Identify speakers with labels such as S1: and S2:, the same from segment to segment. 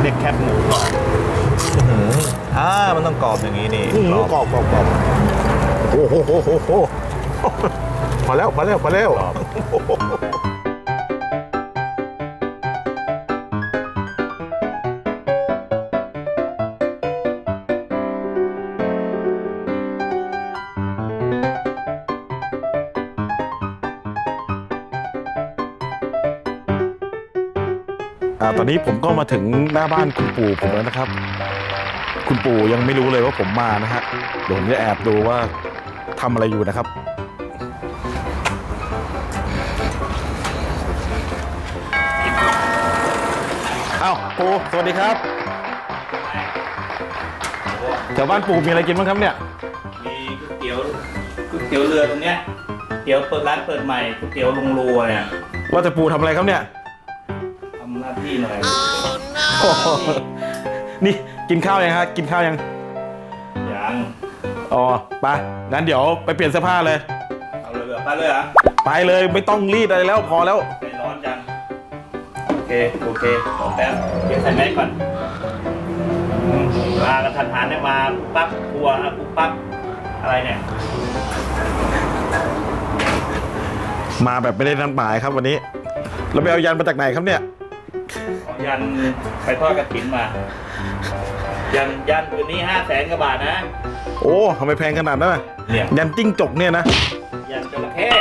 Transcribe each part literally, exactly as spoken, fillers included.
S1: เรียกแคบหมูกรอบอ่ามันต้องกรอบอย่างนี้นี่กรอบกรอบกรอบโอ้โหโอ้โหโอ้โหพอแล้วพอแล้วพอแล้วตอนนี้ผมก็มาถึงหน้าบ้านคุณปู่ผมแล้วนะครับคุณปู่ยังไม่รู้เลยว่าผมมานะฮะเดี๋ยวผมจะแอบดูว่าทำอะไรอยู่นะครับอ้าวปู่สวัสดีครับแถวบ้านปู่มีอะไรกินบ้างครับเนี่ย
S2: มีก๋วยเตี๋ยวก๋วยเตี๋ยวเรือตรงเนี้ยเตี๋ยวเปิดร้านเปิดใหม่ก๋วยเตี๋ยวลุงรัวเนี่ย
S1: ว่าแต่ปู่ทำอะไรครับเนี่ย
S2: ทำหน้าที่หน่อย
S1: oh, no. นี่กินข้าวยังฮะกินข้าวยัง
S2: ยัง
S1: อ๋อไปงั้นเดี๋ยวไปเปลี่ยนเสื้อผ้าเลย
S2: เอาเลยไปเลยเหรอ
S1: ไปเลยไม่ต้องรีดอะไรแล้วพอแล้ว
S2: ไม่ร้อนจังโอเคโอเคขอแป๊บเดี๋ยวใส่แมสก่อนมากันทันหันได้มาปั๊บกลัวนะปุ๊บปั๊บอะไรเนี่ย
S1: มาแบบไม่ได้นัดหมายครับวันนี้เราไปเอายันมาจากไหนครับเนี่ย
S2: ยันไปทอดกระถิ่นมายันยันคืนนี้ห้าแสนกว่าบาทนะ
S1: โอ้ทำไมแพงขนาดนั้นเนี่ยยันจิ้งจกเนี่ยนะ
S2: ยันจระเข้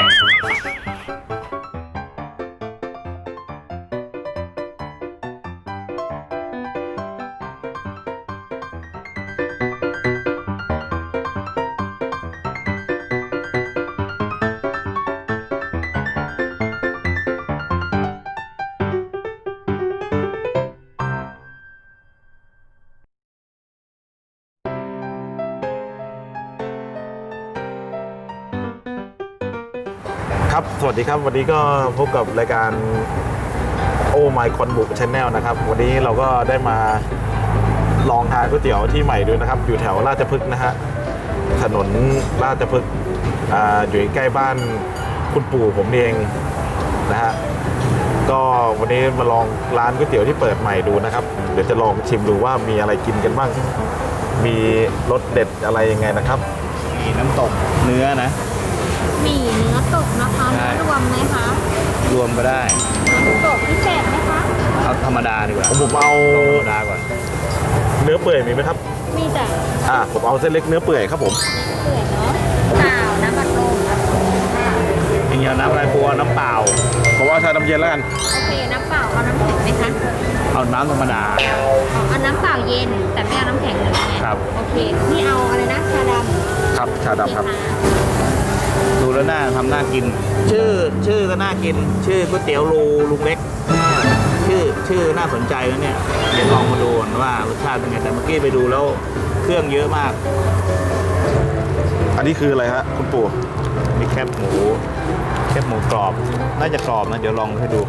S1: ครับสวัสดีครับวันนี้ก็พบกับรายการโอ้ไมค์คอนบุกชาแนลนะครับวันนี้เราก็ได้มาลองทานก๋วยเตี๋ยวที่ใหม่ด้วยนะครับอยู่แถวราชพฤกษ์นะฮะถนนราชพฤกษ์อ่าอยู่ใกล้บ้านคุณปู่ผมเองนะฮะก็วันนี้มาลองร้านก๋วยเตี๋ยวที่เปิดใหม่ดูนะครับเดี๋ยวจะลองชิมดูว่ามีอะไรกินกันบ้างมีรสเด็ดอะไรยังไงนะครับ
S2: มีน้ำตกเนื้อนะ
S3: มีเนื้อตกนะคะรวมไหมคะ
S2: รวมก็ได้
S3: น้ำตกพิเศษไหมคะ
S2: เอาธรรมดาดีกว่า
S1: ผมเอา
S2: ธรรมดาก่อน
S1: เนื้อเปื่อยมีไหมครับ
S3: มีจ้ะ
S1: อ่าผมเอาเส้นเล็กเนื้อเปื่อยครับผม
S3: เปื่อยเนาะเปล่าน้ำบัดลม
S2: อย่างเงี้ยน้ำอะไรบัวน้ำเปล่า
S1: เพราะว่าชาน้ำเย็นแล้วกัน
S3: โอเคน้ำเปล่าเอาน้ำแข็งไหมคะ
S2: เอาน้ำธรรมดา
S3: เอาน้ำเปล่าเย็นแต่ไม่เอาน้ำแข็งเลย
S2: ครับ
S3: โอเคนี่เอาอะไรนะชาด
S1: ำครับชาดำครับ
S2: ดูแล้วน่าทำน่ากินชื่อชื่อก็น่ากินชื่อก๋วยเตี๋ยวรูลุงเล็กชื่อชื่อน่าสนใจแล้วเนี่ยเดี๋ยวลองมาดูว่ารสชาติเป็นไงแต่เมื่อกี้ไปดูแล้วเครื่องเยอะมาก
S1: อันนี้คืออะไรฮะคุณปู่
S2: มีแคบหมูแคบหมูกรอบน่าจะกรอบนะเดี๋ยวลองให้ดู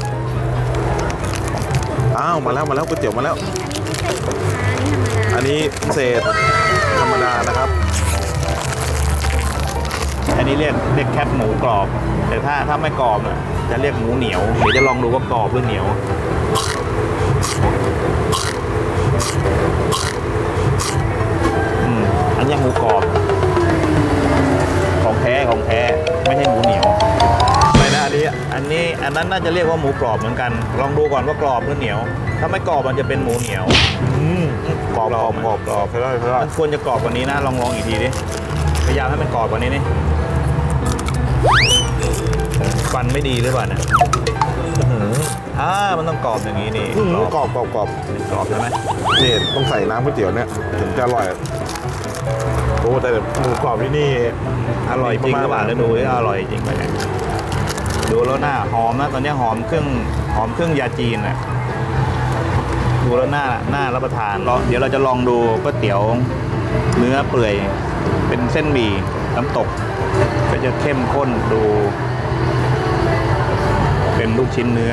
S1: อ้าวมาแล้วมาแล้วก๋วยเตี๋ยวมาแล้วอันนี้พิเศษธรรมดานะครับ
S2: อันนี้เรียกเรียกแคบหมูกรอบแต่ถ้าถ้าไม่กรอบน่ะจะเรียกหมูเหนียวเดี๋ยวจะลองดูว่ากรอบหรือเหนียวอืมอันนี้หมูกรอบของแท้ของแท้ไม่ใช่หมูเหนียวไม่นะอันนี้อันนี้อันนั้นน่าจะเรียกว่าหมูกรอบเหมือนกันลองดูก่อนว่ากรอบหรือเหนียวถ้าไม่กรอบมันจะเป็นหมูเหนียว
S1: อืมกรอบกรอบกรอบกรอบใช่ไหมใช่ไหม
S2: มันควรจะกรอบกว่านี้นะลองลองอีกทีดิพยายามให้มันกรอบกว่านี้นี่ฟันไม่ดีหรือเปล่าเนี่ยอ่ามันต้องกรอบอย่างนี้นี่
S1: กรอบกรอบกรอบ
S2: กรอบใช่ไหม
S1: นี่ต้องใส่น้ำก๋วยเตี๋ยวเนี่ยถึงจะอร่อยโอ้แต่หมูกรอบที่นี่
S2: อร่อยจริงหรือเปล่าแล้วดูว่าอร่อยจริงไหมเนี่ยดูแล้วหน้าหอมนะตอนนี้หอมเครื่องหอมเครื่องยาจีนอ่ะดูแล้วหน้าหน้ารับประทานเดี๋ยวเราจะลองดูก๋วยเตี๋ยวเนื้อเปื่อยเป็นเส้นหมี่น้ำตกก็จะเข้มข้นดูเป็นลูกชิ้นเนื้อ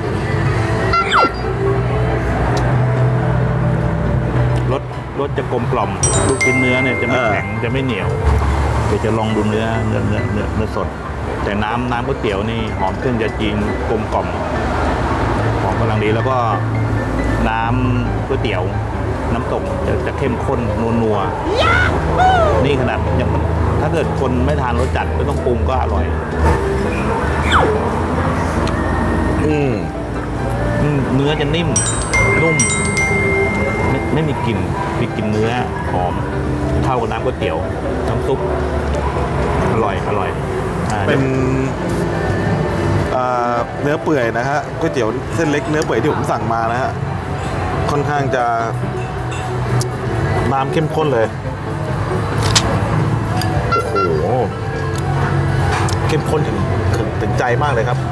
S2: รสรสจะกลมกล่อมลูกชิ้นเนื้อเนี่ยจะไม่แข็งจะไม่เหนียวเดี๋ยวจะลองดูเนื้อเนื้อเนื้อเนื้อเนื้อสดแต่น้ำน้ำก๋วยเตี๋ยวนี่หอมเครื่องยาจีนกลมกล่อมหอมกำลังดีแล้วก็น้ำก๋วยเตี๋ยวน้ำตกจะจะเข้มข้นนัวๆนี่ขนาดยังถ้าเกิดคนไม่ทานรสจัดไม่ต้องปรุงก็อร่อย
S1: อืม
S2: อืมเนื้อจะนิ่มนุ่มไม่ไม่มีกลิ่นมีกลิ่นเนื้อหอมเข้ากับน้ำก๋วยเตี๋ยวน้ำซุปอร่อยอร่อยอ่า
S1: เป็นอ่าเนื้อเปื่อยนะฮะก๋วยเตี๋ยวเส้นเล็กเนื้อเปื่อยที่ผมสั่งมานะฮะค่อนข้างจะน้ำเข้มข้นเลยโอ้โหเข้มข้นถึงถึงถึงใจมากเลยครับ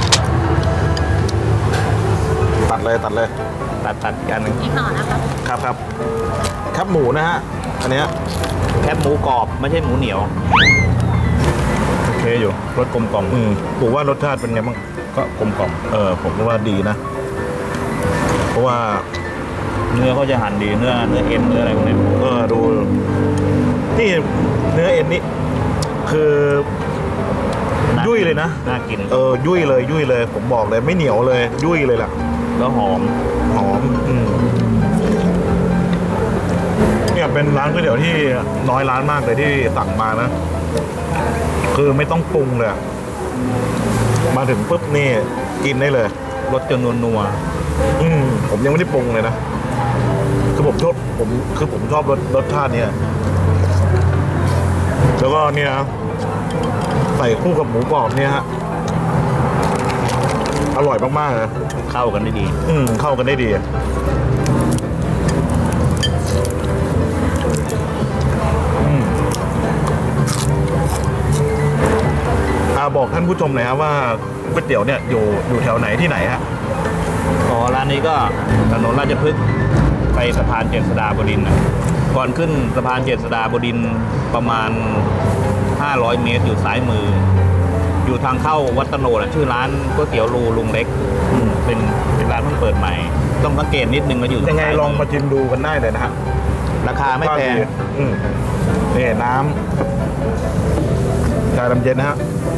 S1: ตัดเลยตัดเลย
S2: ตัดตัดอีกอันหนึ่ง
S3: อีกห่อนะคะ
S1: ครับครับครับหมูนะฮะอันเนี้ย
S2: แคบหมูกรอบไม่ใช่หมูเหนียวโอเคอยู่รสกลมกล่อม
S1: อืมผมว่ารสชาติเป็นไงบ้าง
S2: ก็กลมกล่อม
S1: เออผมว่าดีนะ เพราะว่า
S2: เนื้อเขาจะหั่นดีเนื้อเนื้อเอ็นเนื้ออะไรพวกนี้
S1: เออดูนี่เนื้อเอ็นนี่คือ
S2: น่า
S1: ยุ่ยเลยนะ
S2: น่ากิน
S1: เออยุ่ยเลยยุ่ยเลย ผมบอกเลยไม่เหนียวเลย ยุ่ยเลยล่ะ
S2: แล้วหอม
S1: หอมอืมเนี่ยเป็นร้านก๋วยเตี๋ยวที่น้อยร้านมากเลยที่สั่งมานะ คือไม่ต้องปรุงเลยอะมาถึงปุ๊บนี่กินได้เลย
S2: รสจนนัว
S1: อืมผมยังไม่ได้ปรุงเลยนะ คือผมชอบผมคือผมชอบรสรสชาติเนี่ยแล้วก็เนี่ยนะใส่คู่กับหมูกรอบเนี่ยฮะอร่อยมากๆเลย
S2: ๆเข้ากันได้ดี
S1: อืมเข้ากันได้ดีอืมอ่าบอกท่านผู้ชมหน่อยครับว่าก๋วยเตี๋ยวเนี่ยอยู่อยู่แถวไหนที่ไหนฮะ
S2: อ๋อร้านนี้ก็ถนนราชพฤกษ์ไปสะพานเจษฎาบดินทร์น่ะก่อนขึ้นสะพานเจษฎาบดินทร์ประมาณห้าร้อยเมตรอยู่ซ้ายมือ อยู่ทางเข้าวัดตะโนดอะชื่อร้านก๋วยเตี๋ยวรูลุงเล็กอืมเป็นเป็นร้านเพิ่งเปิดใหม่ ต้องสังเกตนิดนึงมาอยู่
S1: ยังไง
S2: ซ้
S1: ลองมาชิมดูกันได้เลยนะฮะ
S2: ราคาไม่แพง
S1: อืมนี่น้ำชาดำเย็นนะฮะ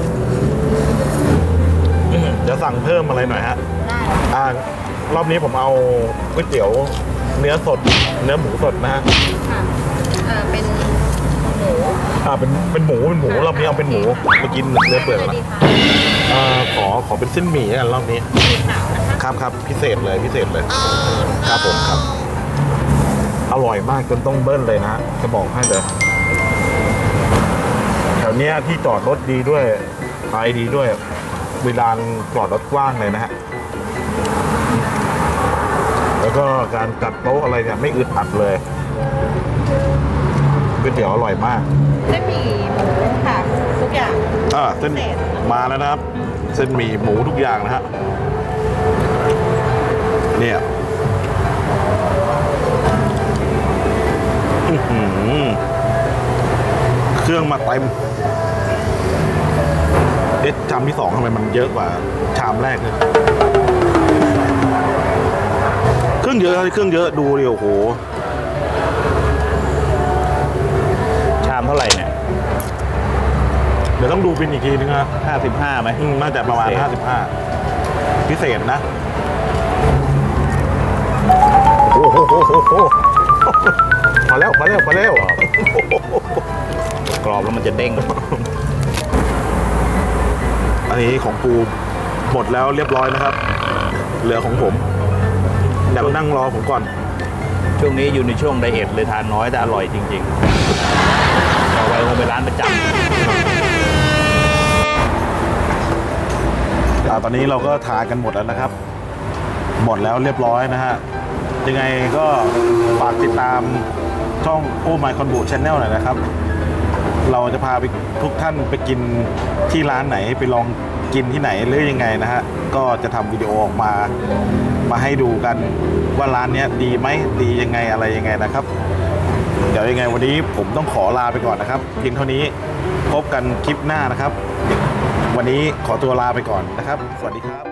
S1: อืมเดี๋ยวสั่งเพิ่มอะไรหน่อยฮะ
S3: ได้
S1: อ่ารอบนี้ผมเอาก๋วยเตี๋ยวเนื้อสด เนื้อหมูสดนะฮะ
S3: ค่ะเออเป็นหมู
S1: อ่าเป็นเป็นหมูเป็นหมูรอบนี้เอาเป็นหมูไปกินเนื้อเปื่อย
S3: เลย
S1: มา
S3: ดีคะ
S1: อ่าขอขอเป็นเส้นหมี่กันรอบนี้
S3: สีขาวนะคะ
S1: ครับครับพิเศษเลยพิเศษเลย ครับผมครับ อร่อยมากจนต้องเบิ้ลเลยนะจะบอกให้เลยแถวเนี้ยที่จอดรถดีด้วยไปดีด้วยเวลาจอดรถกว้างเลยนะฮะแล้วก็การจัดโต๊ะอะไรเนี่ยไม่อึดอัดเลยก๋วยเตี๋ยวอร่อยมาก
S3: เส้นหมี่หมูค่ะทุกอย่าง
S1: อ่าเส้น
S3: พิเศษ
S1: มาแล้วนะครับ เส้นหมี่หมูทุกอย่างนะฮะเนี่ยอื้อหือเครื่องมาเต็มเอ๊ะชามที่สองทำไมมันเยอะกว่าชามแรกเนี่ยเครื่องเยอะเครื่องเยอะดูดิโอ้โห
S2: ชามเท่าไหร่เนี่ย
S1: เดี๋ยวต้องดูบินอีกทีนึงนะ
S2: ห้าสิบห้าไหม
S1: อืมน่าจะประมาณ
S2: พิเศษ
S1: ห้าสิบห้าพิเศษนะโอ้โหโอ้โหโอ้โหพอแล้วพอแล้วพอแล้ว
S2: กรอบแล้วมันจะเด้ง
S1: อันนี้ของปูหมดแล้วเรียบร้อยนะครับ เหลือของผมเดี๋ยวนั่งรอผมก่อน
S2: ช่วงนี้อยู่ในช่วงไดเอทเลยทานน้อยแต่อร่อยจริงๆต่อไปคงเป็นร้านประจ
S1: อ่าตอนนี้เราก็ทานกันหมดแล้วนะครับ หมดแล้วเรียบร้อยนะฮะยังไงก็ฝากติดตามช่องโอ้ My Conbu Channel หน่อยนะครับ เราจะพาไปทุกท่านไปกินที่ร้านไหนไปลองกินที่ไหนหรือยังไงนะฮะก็จะทำวิดีโอออกมามาให้ดูกันว่าร้านเนี้ยดีไหมดียังไงอะไรยังไงนะครับ เดี๋ยวยังไงวันนี้ผมต้องขอลาไปก่อนนะครับเพียงเท่านี้พบกันคลิปหน้านะครับ วันนี้ขอตัวลาไปก่อนนะครับ สวัสดีครับ